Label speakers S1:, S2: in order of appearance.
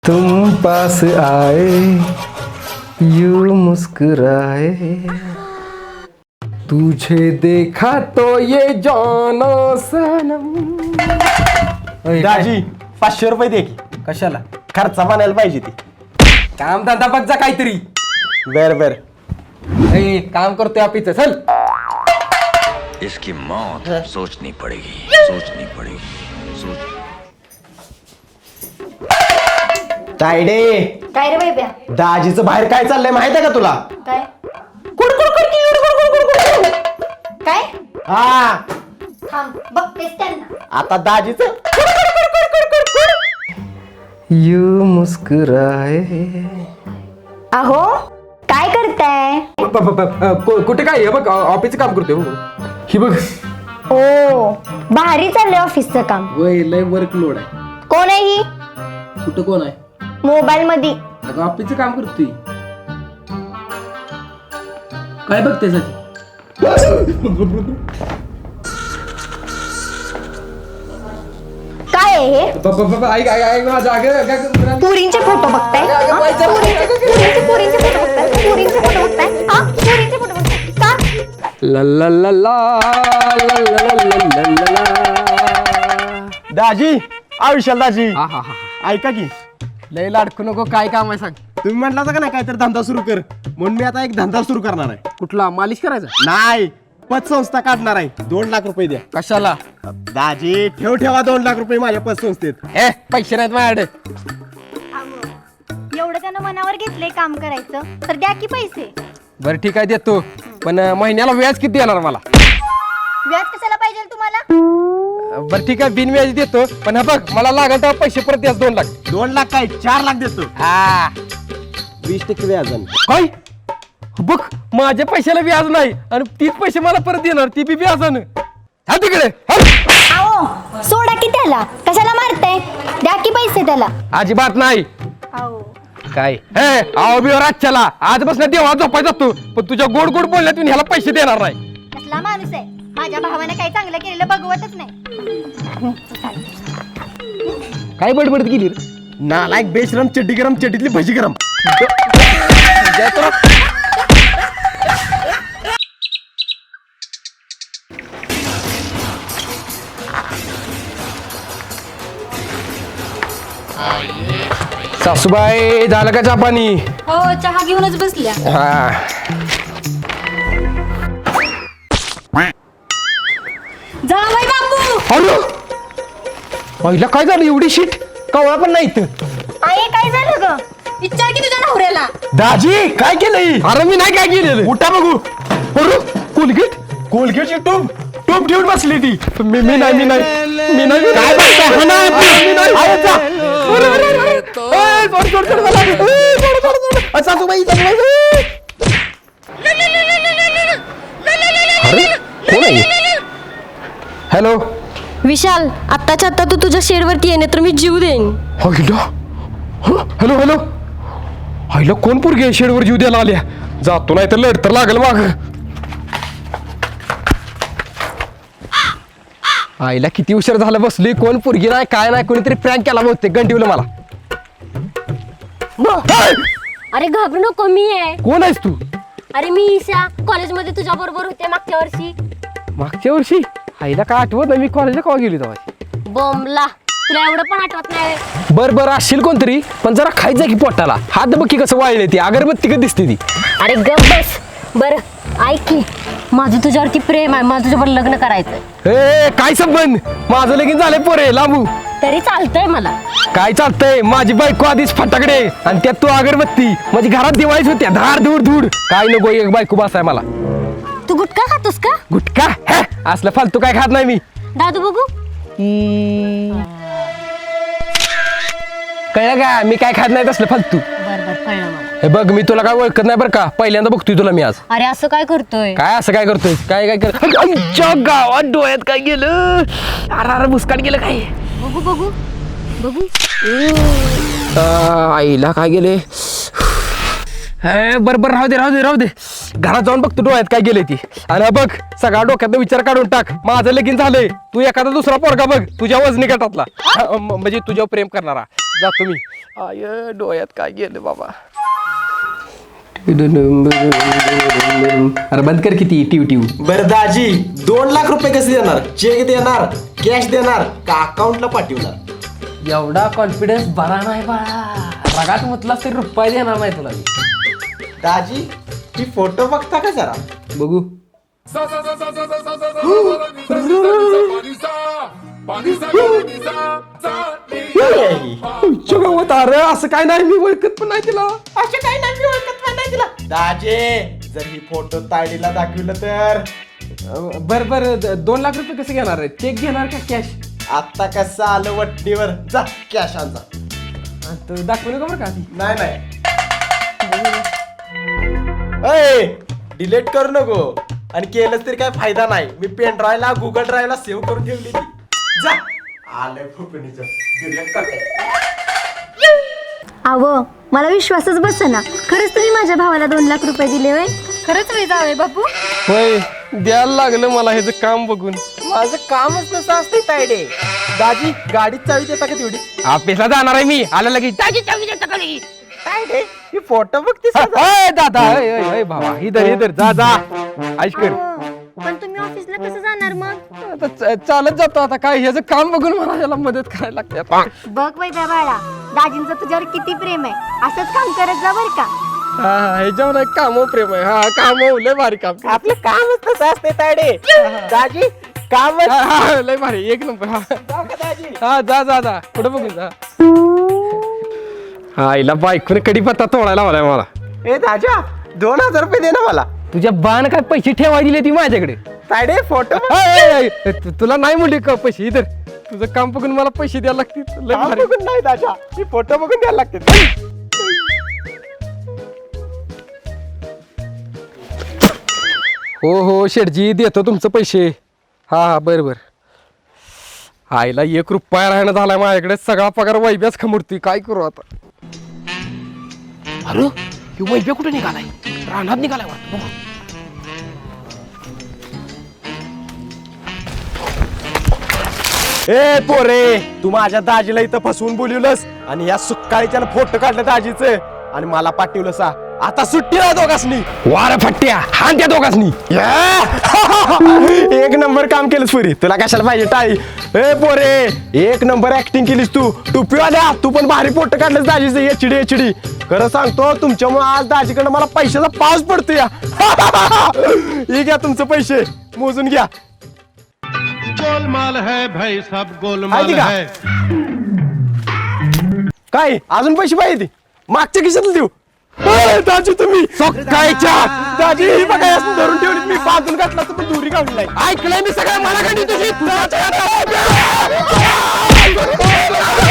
S1: तुम पास आए यूं मुस्कुराए तुझे देखा तो ये जाना सनम।
S2: दाजी 500 रुपये दे की.
S1: कशाला?
S2: खर्चा म्हणायला पाहिजे ती.
S1: काम धंदा बघ जा काहीतरी.
S2: बर बर.
S1: काम करतोय आपीच चल.
S3: इसकी मौत सोचनी पड़ेगी, सोचनी पड़ेगी, सोच.
S2: तायडे
S4: काय रे बाई ब्या?
S2: दाजीचं बाहेर काय चाललंय माहित आहे का तुला?
S4: काय
S2: कुड कुड कुड कुड कुड कुड कुड कुड.
S4: काय
S2: हा
S4: थांब बघतेस त्यांना.
S2: आता दाजीचं
S1: यूं मुस्कुराए.
S4: अहो काय करताय?
S1: कुठे काय हे बघ ऑफिसचं काम करतोय हो. ही बघ
S4: ओ भारी चाललंय ऑफिसचं काम.
S1: वय लय वर्कलोड आहे.
S4: कोण आहे ही?
S1: कुठं कोण आहे?
S4: मोबाईल मध्ये.
S1: अगं ऑफिसचं काम करतोय. काय बघते साठी?
S4: काय आहे हे?
S1: ऐक माझ्या
S4: पुरींचे फोटो बघताय? हा? पुरींचे फोटो बघताय? पुरींचे फोटो बघताय? हा? पुरींचे फोटो बघताय? का?
S1: ला ला ला ला ला ला ला ला ला.
S2: दाजी आयुष्याल दाजी
S1: हा हा हा.
S2: ऐका की
S1: लय लाडकू नको. काय काम आहे सांग.
S2: तुम्ही म्हटला का नाही काहीतरी धंदा सुरू कर म्हणून मी आता एक धंदा सुरू करणार आहे.
S1: कुठला? मालिश करायचा?
S2: नाही पतसंस्था काढणार आहे. 2 लाख रुपये द्या.
S1: कशाला?
S2: दाजी ठेवा 2 लाख रुपये माझ्या पतसंस्थेत.
S1: पैसे नाहीत माझ्याकडे.
S4: एवढं त्यानं मनावर घेतलंय काम करायचं तर द्या की पैसे.
S1: बरं ठीक आहे देतो. पण महिन्याला व्याज किती येणार मला?
S4: व्याज कशाला पाहिजे तुम्हाला?
S1: बरं ठीक आहे बिनव्याजी देतो. पण हा बघ मला लागेल तर पैसे परत द्यास 2 लाख.
S2: 2 लाख काय 4 लाख देतो.
S1: हा
S2: 20% व्याजानं.
S1: काय? बघ माझ्या पैशाला व्याज नाही आणि तीच पैसे मला परत देणार ती बी व्याजानं. हा तिकडे
S4: आओ सोडा की त्याला. कशाला मारताय? द्या की पैसे त्याला.
S1: अजिबात नाही.
S4: आओ
S1: काय आहो बिवर आजच्याला आजपासून देवा झोपाय जातो. पण तुझ्या गोड गोड बोलण्यातून ह्याला पैसे देणार नाही.
S4: कसला माणूस आहे? माझ्या भावाने काही चांगलं केलेलं बघवतच नाही.
S1: काय बडबडत गेली रे?
S2: नालायक बेशरम चड्डी गरम चड्डीतली भजी गरम.
S1: सासूबाई झालं का चहा पाणी?
S5: हो चहा घेऊनच बसल्या.
S1: हा
S5: जावई बापू
S1: अरे पहिला काय झालं? एवढी शीट कवळा पण नाही इथं.
S4: आई काय झालं ग?
S5: विचार की तुझ्या नवऱ्याला.
S2: दाजी काय केलंय?
S1: अरे मी नाही काय केलेलं.
S2: उठा बघू.
S1: अरे कोलगेट
S2: कोलगेटची टूब ठेवून बसली ती.
S1: मी नाही
S2: काय बघताय? हा ना, मी नाही. आहे जा.
S1: सासूबाई हॅलो
S5: विशाल आत्ताच्या आत्ता तू तुझ्या शेडवरती ये नाही तर मी जीव देईन.
S1: हॅलो हॅलो आईला कोण पोरगी शेडवर जीव द्यायला आल्या? जातो नाही तर लढ तर लागल माग. आईला किती उशीर झाला बसली. कोण पोरगी नाही काय नाही. कोणीतरी प्रँक केला बहुतेक गंडीवलं मला.
S5: अरे घाबरू नको मी आहे.
S1: कोण आहेस तू?
S5: अरे मी ईशा कॉलेजमध्ये तुझ्या बरोबर होते मागच्या वर्षी.
S1: मागच्या वर्षी? आईला काय आठवत नाही. मी कॉलेजला कवा गेली तेव्हा.
S5: बॉम्बला तुला एवढं पण आठवत नाही.
S1: बर असशील कोणतरी पण जरा खायचं की पोटाला. हात बघ की कसं वाळले ती अगरबत्ती कधी दिसते ती.
S5: अरे गप बस. बरं ऐक की माझं तुझ्यावरती प्रेम आहे. मला तुझ्यावर लग्न करायचं.
S1: काय संबंध? माझं लगीन झालंय पोरे लांबू.
S5: तरी चालतंय मला.
S1: काय चालतंय? माझी बायको आधीच फटाकडे आणि त्यात तू अगरबत्ती. माझी घरात दिवाळीच होत्या धार धूड धूड. काय नको एक बायको बसाय मला.
S5: तू गुटखा खातोस का?
S1: गुटखा? असलं फालतू काय खात नाही मी.
S5: दादू बघू.
S1: कळलं का? मी काय खात नाही तसलं फालतू.
S5: बरं कळलं मला.
S1: हे बघ मी तुला काय ओळखत नाही बरं का. पहिल्यांदा बघतोय तुला मी आज.
S5: अरे असं काय करतोय?
S1: काय असं काय करतोय? काय कर आईच्या गावात डोळ्यात काय गेलं? अरे मुस्काट गेलं काय?
S5: बघू
S1: आईला काय गेले? बरोबर राहू दे घरात जाऊन बघतो डोळ्यात काय गेले ती. आणि बघ सगळा डोक्यात विचार काढून टाक. माझं लगीन झालंय. तू एखादा दुसरा पोरगा बघ तुझ्या वजनी गटातला म्हणजे तुझ्यावर प्रेम करणारा. जातो मी. आय डोळ्यात काय गेलं बाबा. अरे बंद कर किती टिव टिव.
S2: बरं दाजी 2 लाख रुपये कसे देणार? चेक देणार, कॅश देणार का अकाउंटला पाठवणार?
S1: एवढा कॉन्फिडन्स बरा नाही बाळा. रगात म्हटलास तरी रुपये देणार नाही तुला मी.
S2: दाजी ही फोटो बघता का जरा?
S1: बघू. अरे असं काय नाही मी ओळखत पण नाही तिला.
S2: असे काही नाही मी ओळखत पण नाही तिला. दाजी जर ही फोटो तायडीला दाखवलं तर
S1: बर बर 2 लाख रुपये कसे घेणार आहे? चेक घेणार का कॅश?
S2: आता कसं आलं वट्टीवर जा कॅश आणजा.
S1: दाखवू नका बरं का आधी.
S2: नाही डिलीट करू नको आणि केलंच तरी काय फायदा नाही. मी पेन ड्राईव्हला गुगल ड्राईव्हला सेव्ह करून ठेवली ती. जा आलंय फुकणीचं डिलीट करते.
S4: अव मला विश्वासच बसेना. खरंच तुम्ही माझ्या भावाला 2 लाख रुपये दिले वय? खरंच वेळ जावे बापू.
S1: होय द्यायला लागलं मला ह्याचं काम बघून.
S2: माझं कामच नसं असते तायडे. दाजी गाडीत चावी देता का तेवढी?
S1: ऑफिसला जाणार आहे मी. आलं लगेच
S2: तायडे ही फोटो बघते
S1: दादा. ओय भावा इधर जा जा. ऐश कर.
S4: पण तुम्ही ऑफिसला कसं जाणार मग?
S1: आता चालत जातो. आता काय ह्याचं काम बघून मला याला मदत करायला लागते आता.
S4: बघ वैभ्या बाळा, दाजींचं तुझ्यावर किती प्रेम आहे. असंच काम करत जा बर का.
S1: हा ह्याच्यावर काम प्रेम आहे. हा काम लय भारी काम.
S2: आपलं कामच तसं असते तायडे. दाजी काम
S1: लय भारी एक नंबर.
S2: दाजी
S1: हा जा पुढे बघून जा. हा आईला बायकोने कडीपत्ता तोडायला मला मला.
S2: ए दाजा 2000 रुपये दे ना मला.
S1: तुझ्या बाण काय पैसे ठेवाय दिले ती माझ्याकडे.
S2: तायडे फोटो
S1: तुला नाही म्हणले का पैसे. इधर तुझं काम बघून मला पैसे द्यायला लागतील. लय भारी.
S2: बघून नाही दाजा ही फोटो बघून द्यायला लागते.
S1: हो शेठजी देतो तुमचं पैसे. हा बरं. आईला 1 रुपया राहणं झालाय माझ्याकडे. सगळा पगार वैब्याच खमुरती. काय करू आता. अरे ही वैब्या कुठे निघालाय? रानात निघालाय वाटतं.
S2: ए पोरे तू माझ्या दाजीला इथं फसवून बोलवलंस आणि या सुक्काळीच्यानं फोटो काढलं दाजीचं आणि मला पाठवलं सा. आता सुट्टी ना दोघांनी.
S1: वार फट्ट्या हान त्या दोघांनी.
S2: एक नंबर काम केलंस पुरी. तुला कशाला पाहिजे टाळी. ए पोरे 1 नंबर ऍक्टिंग केलीस तू. टुपीवाल्या तू पण भारी फोटो काढलंस दाजीचं. HD. खरं सांगतो तुमच्यामुळे आज दाजीकडनं मला पैशाचा पाऊस पडतो या. हे घ्या तुमचे पैसे मोजून घ्या.
S6: गोलमाल है भाई सब गोलमाल
S2: माहिती का?
S6: है.
S2: काय अजून पैसे पाहिजे? मागच्या खिशात देऊ. दाजी तुम्ही
S1: सकाळच्या
S2: दाजी ही बघा यासनं धरून ठेवली. मी बांधून घातला तर पण दुरी काढली नाही.
S1: ऐकलंय मी सगळं. मला कधी तुझी